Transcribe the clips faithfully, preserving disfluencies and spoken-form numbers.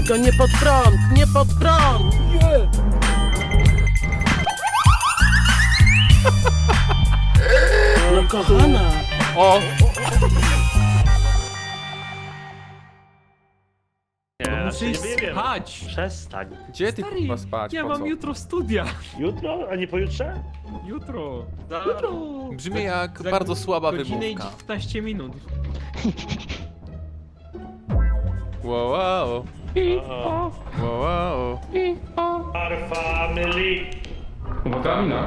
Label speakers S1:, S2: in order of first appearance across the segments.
S1: Tylko nie pod prąd, nie pod prąd!
S2: Nie!
S1: No kochana!
S2: O!
S3: Nie,
S4: Muszę iść
S3: nie wiem.
S4: spać!
S3: Przestań.
S2: Gdzie ty
S4: Stary,
S2: kurwa spać?
S4: ja
S2: Po
S4: mam
S2: co?
S4: jutro studia.
S3: Jutro, a nie pojutrze?
S4: Jutro. Za,
S3: Jutro.
S2: Brzmi jak
S4: za
S2: bardzo słaba
S4: godzinę i
S2: wymówka.
S4: dziewiętnaście minut.
S2: Wow, wow,
S3: O,
S2: wow, wow.
S3: Our family.
S5: Uwaga, mina.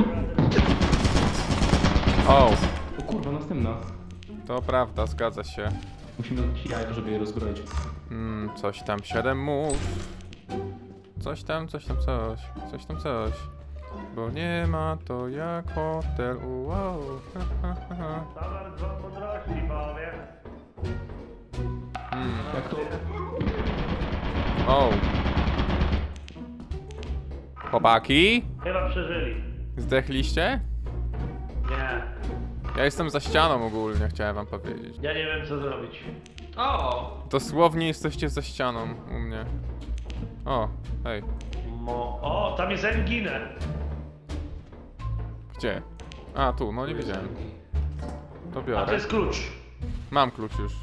S2: O,
S5: O kurwa, następna.
S2: to prawda, zgadza się.
S5: Musimy dać jajka, żeby je rozbroić.
S2: Mm, coś tam, siedem mów. Coś tam, coś tam, coś. Coś tam, coś. Bo nie ma to jak hotel, wow. Ha, ha, ha, ha.
S3: Zawar dwa mądrości, powiem.
S2: Mm.
S5: Jak to...
S2: O. Chłopaki?
S3: Chyba przeżyli.
S2: Zdechliście?
S3: Nie.
S2: Ja jestem za ścianą ogólnie, chciałem wam powiedzieć.
S3: Ja nie wiem co zrobić.
S4: O!
S2: Dosłownie jesteście za ścianą u mnie. O, hej.
S3: Mo... O, tam jest Enginę.
S2: Gdzie? A, tu, no nie wiedziałem. To
S3: A to
S2: biorę.
S3: jest klucz.
S2: Mam klucz już.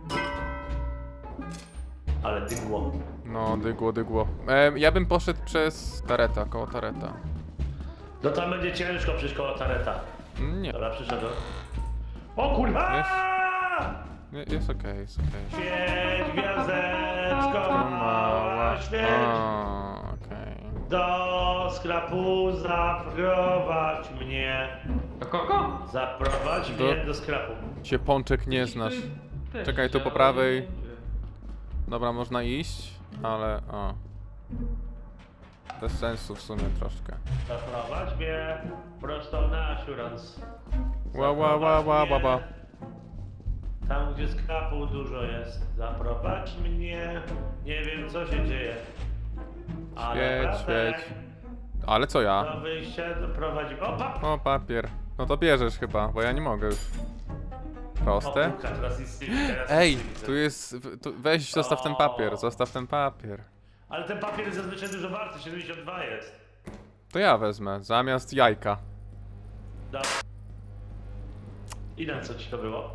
S3: Ale dygło.
S2: No, dygło, dygło. E, ja bym poszedł przez tareta, koło tareta.
S3: No tam będzie ciężko przyjść koło tareta.
S2: Nie,
S3: Dobra, przyszedłem. O kurwa!
S2: nie jest okej, jest okej.
S3: Świeć, gwiazdeczko,
S2: To
S3: mała, świeć.
S2: O, okej.
S3: Do skrapu zaprowadź mnie.
S4: Do kogo?
S3: Zaprowadź
S2: Do-
S3: mnie do skrapu.
S2: Się pączek nie znasz.
S4: Też
S2: Czekaj, tu po
S4: chciałem.
S2: prawej. Dobra, można iść, ale o. Bez sensu w sumie troszkę.
S3: Zaprowadź mnie prosto na assurance.
S2: Ła, ła, ła, ła, ła, ła.
S3: Tam gdzie skrapu dużo jest. Zaprowadź mnie. Nie wiem co się dzieje. Ale
S2: Świeć,
S3: bratek,
S2: świeć. Ale co ja?
S3: do wyjścia doprowadzi. O pap!
S2: O, papier. No to bierzesz chyba, bo ja nie mogę już. Proste?
S3: O, kurka, teraz jest, teraz
S2: Ej,
S3: jest widzę.
S2: tu jest... w- Tu, weź, zostaw ten papier, zostaw ten papier.
S3: Ale ten papier jest zazwyczaj dużo warty, siedemdziesiąt dwa jest.
S2: To ja wezmę, zamiast jajka.
S3: Dobra. I na co ci to było?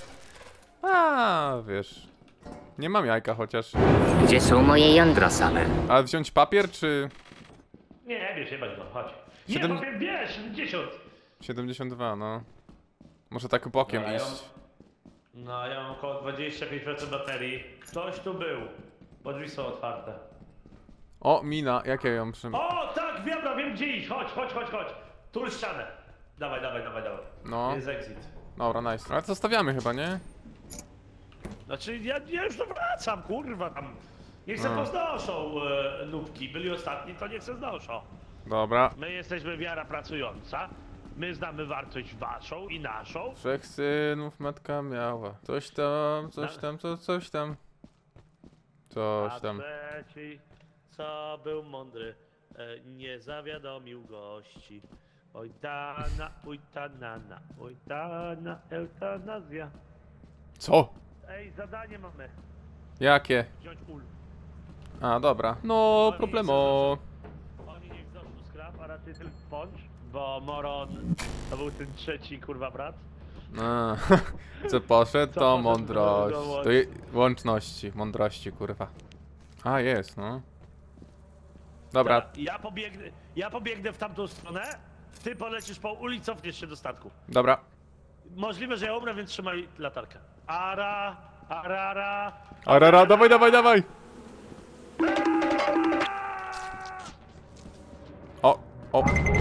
S2: A, wiesz... Nie mam jajka chociaż.
S6: Gdzie są moje jądra same?
S2: Ale wziąć papier czy...
S3: Nie, wiesz, jebać go, chodź. Nie,
S2: Siedem-
S3: papier, bierz, siedemdziesiąt.
S2: siedemdziesiąt dwa, no. Może tak bokiem
S3: Dobra, ja
S2: iść.
S3: No, ja mam około dwadzieścia pięć procent baterii. Ktoś tu był, bo drzwi są otwarte.
S2: O, mina, jak ja ją przy...
S3: O, tak, wiabra, wiem gdzie iść, chodź, chodź, chodź, chodź. Tu ścianę. Dawaj, dawaj, dawaj, dawaj.
S2: No,
S3: Jest exit.
S2: dobra, nice. Ale to zostawiamy chyba, nie?
S3: Znaczy, ja, ja już to wracam, kurwa, tam. Niech se
S2: A.
S3: poznoszą e, nubki. Byli ostatni, to niech se znoszą.
S2: Dobra.
S3: My jesteśmy wiara pracująca. My znamy wartość waszą i naszą.
S2: Trzech synów matka miała. Coś tam, coś tam, co, coś tam. Coś
S3: A
S2: tam.
S3: trzeci, co był mądry, e, nie zawiadomił gości. Oj tana, oj tanana, oj tana, eutanazja.
S2: Co?
S3: Ej, zadanie mamy.
S2: Jakie?
S3: Wziąć ul.
S2: A, dobra. No,
S3: Oni
S2: problemo.
S3: Oni niech znoszą skrap, a raczej tylko poncz, bo Moron to był ten trzeci kurwa brat.
S2: A, co poszedł,
S3: Co
S2: to
S3: poszedł,
S2: mądrość.
S3: to łącz-
S2: To je, łączności, mądrości, kurwa. A, jest, no. Dobra,
S3: Ja, ja pobiegnę, ja pobiegnę w tamtą stronę, ty polecisz po uli, cofniesz się do statku.
S2: dobra.
S3: Możliwe, że ja umrę, więc trzymaj latarkę. Ara, arara.
S2: Arara, dawaj, dawaj, dawaj! O, o.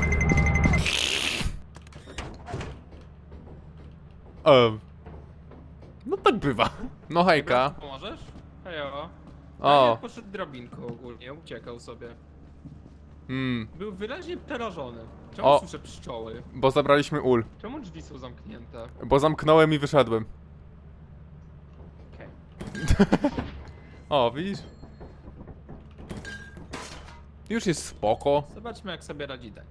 S2: Um. No tak bywa. No hejka.
S4: Pomożesz? Hejo.
S2: O.
S4: O. Poszedł drabinką ogólnie, uciekał sobie.
S2: Hmm,
S4: Był wyraźnie przerażony. Czemu
S2: O.
S4: słyszę pszczoły?
S2: bo zabraliśmy ul.
S4: Czemu drzwi są zamknięte?
S2: Bo zamknąłem i wyszedłem.
S4: Okej.
S2: O, widzisz? Już jest spoko.
S4: Zobaczmy jak sobie radzi ten.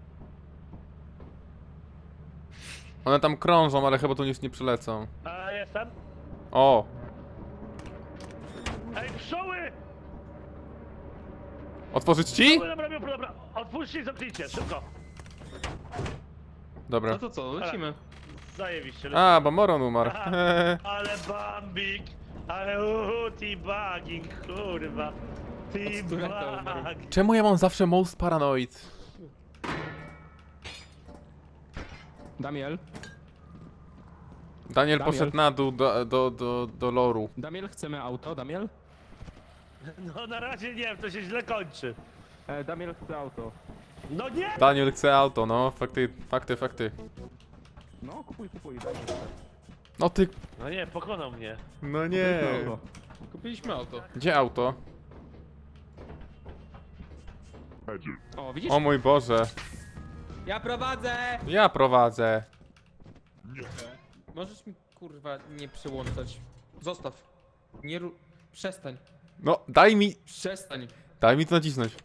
S2: One tam krążą, ale chyba tu nic nie przylecą.
S3: A, jestem.
S2: O,
S3: Ej, pszczoły!
S2: Otworzyć ci?
S3: Dobra, dobra, dobra, dobra. Otwórzcie i zamknijcie, szybko.
S2: Dobra.
S4: No to co, lecimy.
S3: Zajebiście.
S2: A, bo Moron umarł.
S3: Aha. Ale Bambik, ale uhu, teabagging, kurwa.
S4: Od Tureta umarł.
S3: Teabag.
S2: Czemu ja mam zawsze most paranoid?
S5: Damiel,
S2: Daniel
S5: Damiel.
S2: poszedł na dół do, do, do, do loru.
S5: Damiel, chcemy auto, Damiel?
S3: No na razie nie wiem, to się źle kończy.
S5: E, Damiel chce auto.
S3: No nie!
S2: Daniel chce auto, no. Fakty, fakty, fakty.
S5: No, kupuj, kupuj, Damiel chce.
S2: No ty...
S3: No nie, pokonał mnie.
S2: No nie.
S5: Kupuj auto.
S4: Kupiliśmy auto.
S2: Gdzie auto?
S5: O, widzisz?
S2: O mój Boże.
S4: Ja prowadzę!
S2: Ja prowadzę.
S4: Możesz mi kurwa nie przyłączać. Zostaw. Nie ru... Przestań.
S2: No, daj mi...
S4: Przestań.
S2: Daj mi to nacisnąć.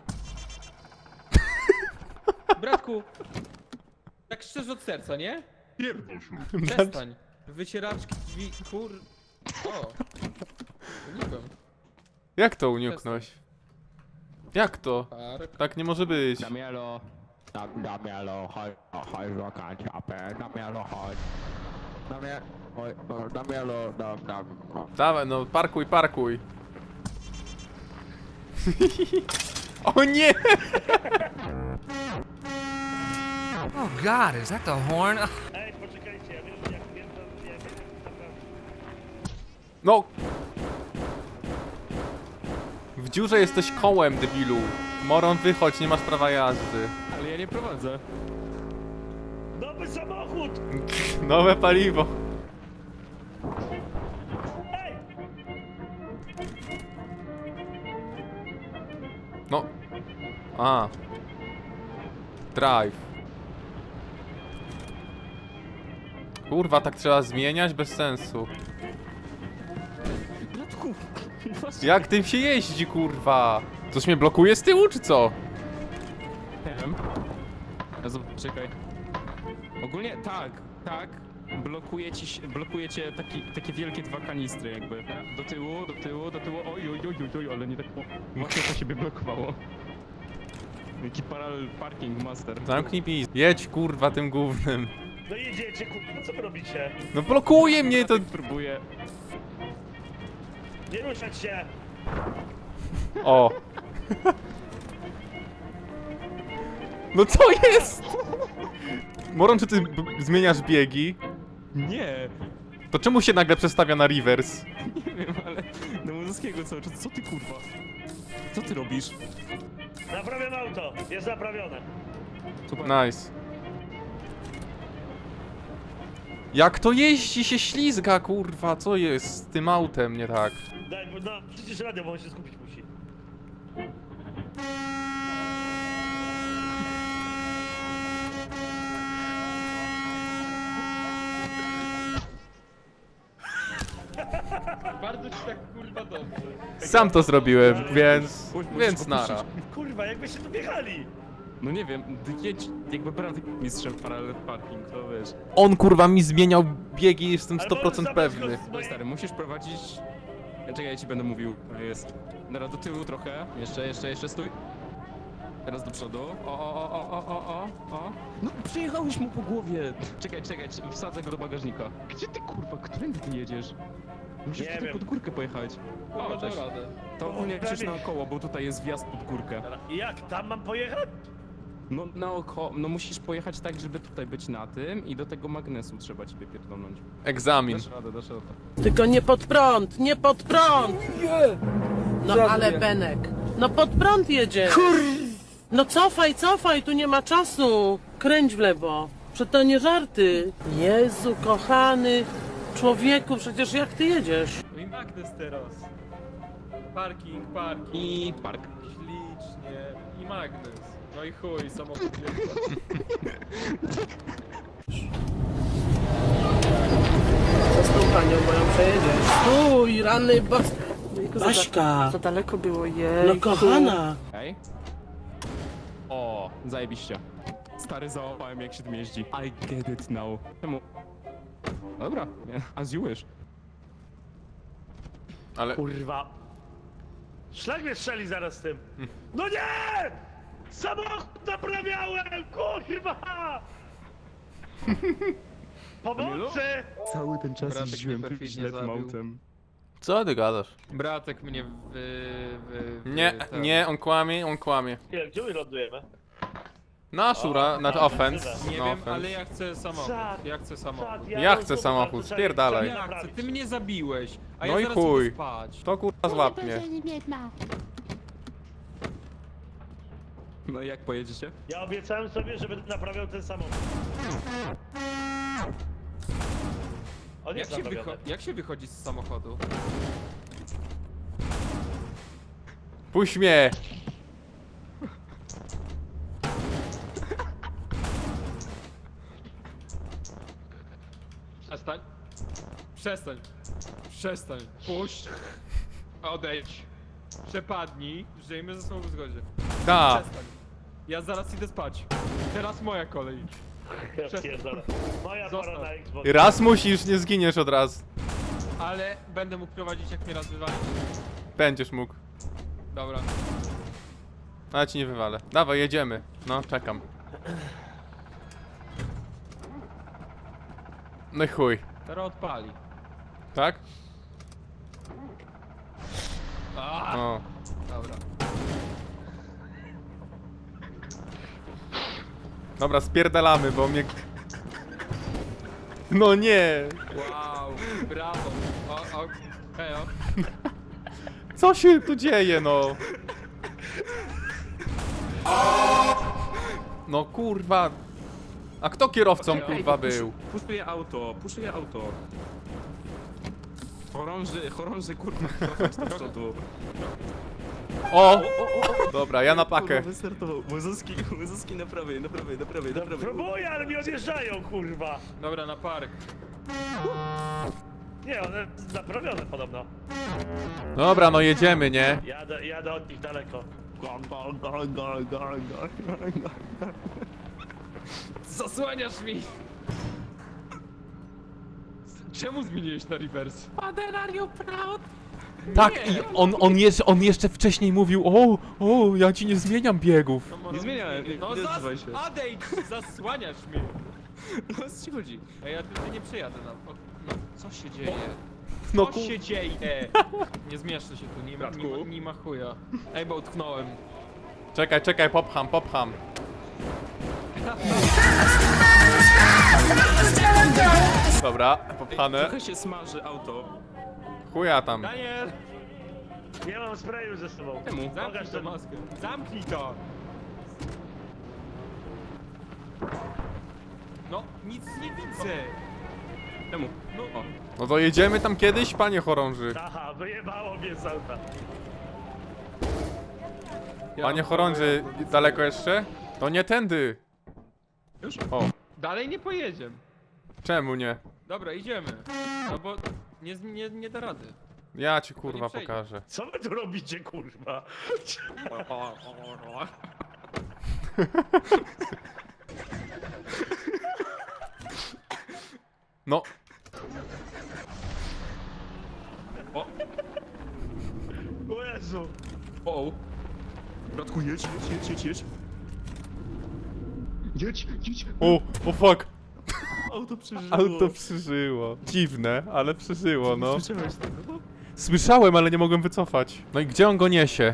S4: Bratku! Tak szczerze od serca, nie? Przestań. Wycieraczki drzwi, kur... O! Unikłem.
S2: Jak to uniknąć? Jak to?
S4: Park.
S2: Tak nie może być.
S5: Damielo. Dam, Damielo, chodź, o, chodź, wakać, apę, Damielo, chodź. Damie, chodź, o, Damielo, dam, dam, o.
S2: Dawaj, no parkuj, parkuj. O nie!
S7: Oh God, is that the horn?
S3: Ej, poczekajcie, ja wiem, jak wiem, to ja wiem, naprawdę.
S2: No! W dziurze jesteś kołem, debilu. Moron, wychodź, nie masz prawa jazdy.
S5: Ale ja nie prowadzę.
S3: Nowy samochód!
S2: Nowe paliwo.
S3: Ej!
S2: No. A. Drive. Kurwa, tak trzeba zmieniać? Bez sensu.
S5: Bratku, właśnie.
S2: Jak tym się jeździ, kurwa? Coś mnie blokuje z tyłu, czy co?
S5: Nie wiem. Ja zob- Czekaj. Ogólnie tak, tak. Blokuje ci, się- blokuje cię taki, takie wielkie dwa kanistry jakby. Do tyłu, do tyłu, do tyłu. Oj, oj, oj, oj, oj, ale nie tak o, właśnie to siebie blokowało. Jaki parallel parking master.
S2: Zamknij pis. Jedź, kurwa, tym głównym.
S3: No jedziecie, kurwa, co wy robicie?
S2: No blokuje mnie to...
S5: Próbuję.
S3: Nie ruszać się!
S2: O. No co jest? Moron, czy ty b- zmieniasz biegi?
S5: Nie,
S2: To czemu się nagle przestawia na reverse?
S5: nie wiem, ale do Muzyckiego cały czas. Co ty kurwa? Co ty robisz?
S3: Naprawiam auto, jest naprawione.
S5: Super.
S2: Nice. Jak to jeździ się ślizga, kurwa, co jest z tym autem nie tak?
S3: Daj, no przecież radio, bo on się skupić musi.
S4: Bardzo ci tak kurwa dobrze.
S2: Sam to zrobiłem, więc...
S5: Puść, musisz
S2: więc
S5: opuścić.
S2: nara.
S3: Kurwa, jakbyście tu biegali!
S5: No nie wiem, jedź jakby brat mistrzem parallel parking, to wiesz.
S2: On, kurwa, mi zmieniał biegi, jestem
S3: Ale
S2: sto procent
S3: możesz zabrać
S2: pewny.
S3: go z
S5: No
S3: mojej-
S5: stary, musisz prowadzić... Ja czekaj, ja ci będę mówił. To jest. Teraz do tyłu trochę. Jeszcze, jeszcze, jeszcze, stój. Teraz do przodu. O, o, o, o, o, o, o, o. No przyjechałeś mu po głowie. Czekaj, czekaj, czy- wsadzę go do bagażnika. Gdzie ty kurwa, którędy ty jedziesz? Musisz
S3: Nie
S5: tutaj
S3: wiem.
S5: pod górkę pojechać.
S4: O,
S5: O,
S4: dam
S5: cześć.
S4: radę.
S5: To ogólnie
S3: prawie.
S5: krzyż naokoło, bo tutaj jest wjazd pod górkę.
S3: I jak, tam mam pojechać?
S5: No naokoło, no musisz pojechać tak, żeby tutaj być na tym i do tego magnesu trzeba ciebie pierdolnąć.
S2: Egzamin.
S5: Dasz radę, dasz radę.
S1: Tylko nie pod prąd, nie pod prąd! No ale Benek, no pod prąd jedzie! No cofaj, cofaj, tu nie ma czasu! Kręć w lewo, że to nie żarty! Jezu, kochany człowieku, przecież jak ty jedziesz?
S4: No i magnes teraz. Parking, parking.
S5: I park.
S4: Ślicznie. I magnes. No i chuj, samochód nie.
S1: Co z tą panią, bo ją przejedziesz? Stój, rany bas... Baśka!
S8: Za daleko było, jej.
S1: No kochana!
S5: Hej. O, zajebiście. Stary, załapałem jak się tym jeździ. I get it now. Czemu? Dobra, nie, as you wish.
S2: Ale...
S3: Kurwa. Szlak mnie strzeli zaraz z tym. No nie! Samochód naprawiałem, kurwa! Pomocy!
S8: Cały ten czas
S4: Bratek
S8: jeździłem
S4: mnie
S8: tym
S4: perfidnie
S8: źle tym
S4: zabił.
S8: autem.
S2: Co ty gadasz?
S4: Bratek mnie wy... wy, wy
S2: Nie,
S4: ten-
S2: nie, on kłamie, on kłamie.
S3: Nie, gdzie my lądujemy?
S2: Na szura, na
S3: a,
S2: offense.
S4: Nie
S2: No
S4: wiem,
S2: offense.
S4: ale ja chcę samochód.
S3: Sad,
S4: Ja chcę samochód.
S2: Ja chcę samochód, spierdalaj.
S4: Ja chcę, ty mnie zabiłeś, a
S2: No
S4: ja
S2: i
S4: zaraz
S2: chuj.
S4: idę spać.
S2: To kurwa złap mnie.
S5: No i jak pojedziecie?
S3: Ja obiecałem sobie, że będę naprawiał ten samochód. On
S4: Jak
S3: jest
S4: się,
S3: naprawiony.
S4: wycho- jak się wychodzi z samochodu?
S2: Puść mnie!
S4: Przestań. Przestań. Przestań. Puść. Odejdź. Przepadnij. Żyjmy ze sobą w zgodzie.
S2: Ta!
S4: Przestań. Ja zaraz idę spać. Teraz moja kolej.
S3: Ja pierdolę. Moja
S4: Zostaw.
S3: pora na Xbox.
S2: Raz musisz, nie zginiesz od razu.
S4: Ale będę mógł prowadzić, jak mnie raz wywalić.
S2: Będziesz mógł.
S4: Dobra.
S2: Ale ci nie wywalę. Dawaj, jedziemy. No, czekam. No i chuj.
S4: Teraz odpali.
S2: Tak?
S4: A,
S2: O.
S4: dobra.
S2: Dobra, spierdalamy, bo mnie... No nie!
S4: Wow. Brawo. O, o. Hejo.
S2: Co się tu dzieje, no? No kurwa. A kto kierowcą kurwa był?
S5: Puszuję auto, puszuję auto. Chorąży, chorąży kurwa, trochę do przodu.
S2: O! Dobra, ja na pakę.
S5: Kurwa, wystartował. Łyzuski, łyzuski na prawej, na prawej, na prawej, na prawej.
S3: Próbuję, ale mi odjeżdżają, kurwa.
S4: Dobra, na park.
S3: Nie, one naprawione podobno.
S2: Dobra, no jedziemy, nie?
S3: Jadę, jadę od nich daleko.
S4: Zasłaniasz mi! Czemu zmieniłeś na reverse? Father, are you proud?
S2: Tak, i on, on, jest, on jeszcze wcześniej mówił, o, o, ja ci nie zmieniam biegów.
S5: Nie zmieniałem, nie-
S4: No
S5: nie
S4: zas...
S5: odzywaj się.
S4: Odejdź! Zasłaniasz mnie!
S5: No co ci chodzi?
S4: Ej, ja tutaj nie przyjadę na... O, no, co się dzieje?
S2: No
S4: Co
S2: ku...
S4: się dzieje? Nie zmieszczę się tu, nie ma, nie ma, nie ma chuja. Ej, bo utknąłem.
S2: Czekaj, czekaj, popcham, popcham. Dobra, popchane.
S5: Trochę się smaży auto.
S2: Chuja tam.
S4: Daniel!
S3: Nie mam sprayu ze sobą.
S5: Czemu?
S3: Pokaż
S4: Zamknij tę
S3: ten
S4: maskę. Zamknij to! No, nic nie widzę.
S5: Czemu?
S4: No,
S5: O,
S2: No to jedziemy tam kiedyś, panie chorąży.
S3: Aha, wyjebało mnie z auta.
S4: ja
S2: Panie
S4: mam-
S2: chorąży, daleko jeszcze? To nie tędy.
S5: już?
S2: O,
S4: Dalej nie pojedziemy.
S2: czemu nie?
S4: Dobra, idziemy. No bo nie, nie, nie da rady.
S2: Ja ci kurwa
S4: nie przejdzie.
S2: pokażę.
S3: Co wy tu robicie, kurwa?
S2: No,
S3: O Jezu.
S5: O, bratku, jedź, jedź, jedź, jedź, jedź. Jedź, jedź.
S2: o, o fuck.
S5: Auto przeżyło.
S2: Auto przeżyło. Dziwne, ale przeżyło, no.
S5: Słyszałeś tego?
S2: Słyszałem, ale nie mogłem wycofać. No i gdzie on go niesie?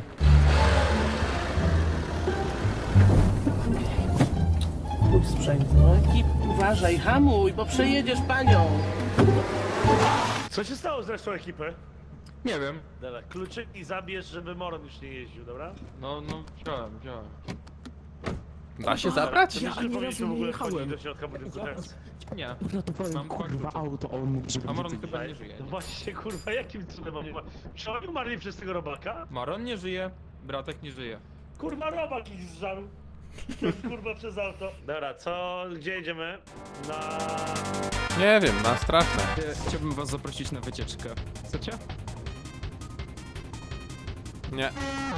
S1: Mój sprzęt, no ekip, uważaj, hamuj, bo przejedziesz panią.
S3: Co się stało z resztą ekipy?
S4: Nie wiem.
S3: Dobra, kluczyki zabierz, żeby Moron już nie jeździł, dobra?
S4: No, no, wziąłem, wziąłem.
S2: Da się zabrać?
S3: Ja nie powinniśmy w ogóle wchodzić do środka budynku teraz.
S4: Nie.
S8: Uratowałem
S4: Mam dwa
S8: kurwa
S4: klucze.
S8: auto, a on mógł, żeby...
S4: A Maron chyba nie żyje.
S3: No właśnie, kurwa, jakim cudem mam umarł? Czy oni umarli przez tego robaka?
S4: Maron nie żyje, bratek nie żyje.
S3: Kurwa, robak ich zżarł. Przez, kurwa, przez auto. Dobra, co, gdzie jedziemy? Na...
S2: Nie wiem, na straszne.
S5: Ja Chciałbym was zaprosić na wycieczkę. Chcecie?
S2: Nie.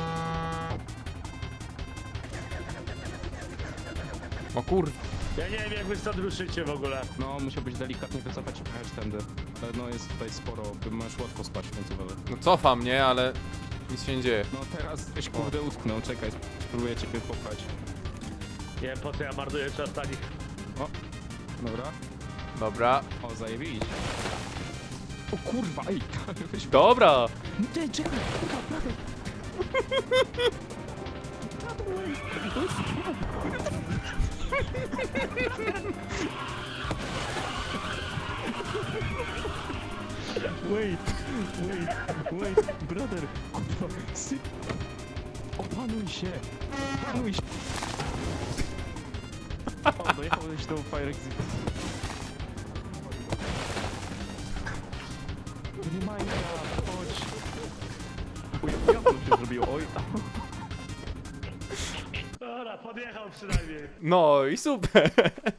S2: O kur...
S3: Ja nie wiem, jak wy stąd ruszycie w ogóle.
S5: No, musiałbyś delikatnie wycofać i pojechać tędy. Ale no jest tutaj sporo, by możesz łatwo spać w końcu, ale...
S2: No cofam, nie, ale... Nic się nie dzieje.
S5: No teraz ktoś kurde utknął, czekaj, spróbuję ciebie popchać.
S3: Nie wiem po co ja marnuję czas na nich.
S5: Dobra.
S2: Dobra.
S5: O, zajebiście. O kurwa, ej! Weź...
S2: Dobra!
S5: Ty, czekaj, kurwa, prawie. Wait, wait, wait, brother, kurwa, sy... Opanuj się, opanuj się. O, dojechałeś do Fire Exit. Nie ma ja, chodź. Oj, ja to się zrobiło, oj.
S3: Dobra, podjechał przynajmniej.
S2: No i super!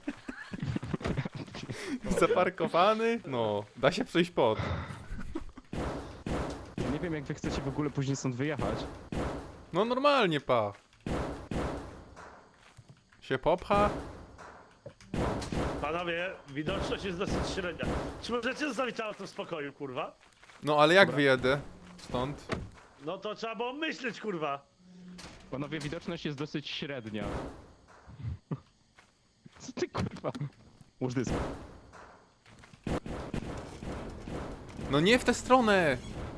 S2: Zaparkowany? No, da się przejść pod.
S5: Nie wiem jak wy chcecie w ogóle później stąd wyjechać.
S2: No normalnie, pa. Się popcha?
S3: Panowie, widoczność jest dosyć średnia. Czy możecie zostawić auto w spokoju, kurwa?
S2: No ale jak
S5: Dobra.
S2: wyjedę stąd?
S3: No to trzeba było myśleć, kurwa.
S5: Panowie, widoczność jest dosyć średnia. Co ty kurwa? Łóż dysk.
S2: No nie w tę stronę!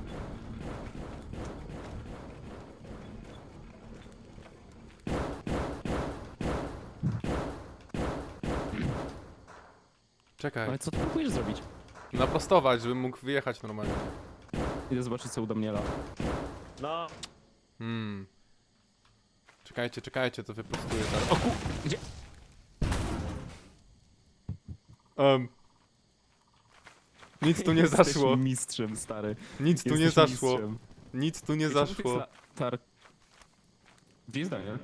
S2: Czekaj,
S5: Ale co ty próbujesz zrobić?
S2: naprostować, żebym mógł wyjechać normalnie.
S5: Idę zobaczyć co u Daniela.
S3: No,
S2: Hmm. Czekajcie, czekajcie, to wyprostuję zaraz. O ku...
S5: Gdzie?
S2: Um. Nic tu nie
S5: Jesteś
S2: zaszło.
S5: mistrzem, stary.
S2: Nic tu nie
S5: Jesteś
S2: zaszło.
S5: mistrzem.
S2: Nic tu nie
S5: Ej, czemu
S2: zaszło.
S5: tak za- Tar... Gdzie jest Daniel?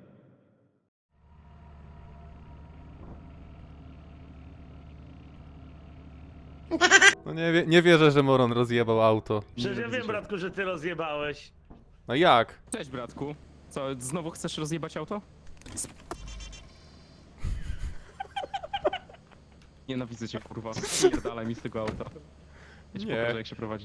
S2: No nie, wie, nie wierzę, że Moron rozjebał auto.
S3: przecież ja
S5: Nie
S3: wiem,
S5: widzę.
S3: bratku, że ty rozjebałeś.
S2: No jak?
S5: Cześć bratku. Co, znowu chcesz rozjebać auto? Nienawidzę cię kurwa. Pierdalaj mi z tego auta. Ja ci
S2: Nie.
S5: pokażę jak się prowadzi.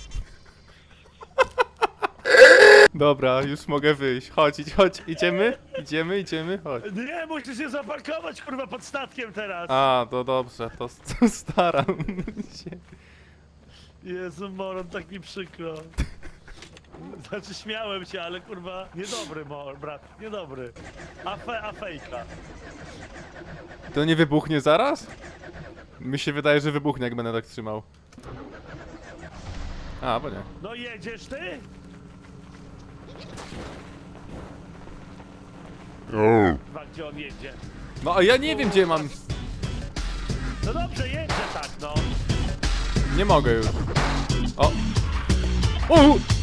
S2: Dobra, już mogę wyjść. Chodź, idź, chodź, idziemy? Idziemy, idziemy, chodź.
S3: Nie, musisz się zaparkować, kurwa, pod statkiem teraz.
S2: A, to dobrze, to, to staram się.
S3: Jezu, Moron, tak mi przykro. Znaczy, śmiałem się, ale kurwa, niedobry, Mor, brat, niedobry. A, fe, a fejka.
S2: To nie wybuchnie zaraz? Mi się wydaje, że wybuchnie, jak będę tak trzymał. A, bo nie.
S3: No jedziesz ty? Kurwa, gdzie on jedzie?
S2: No, a ja nie wiem, gdzie mam...
S3: No dobrze, jedzie tak, no.
S2: Nie mogę już. O! O!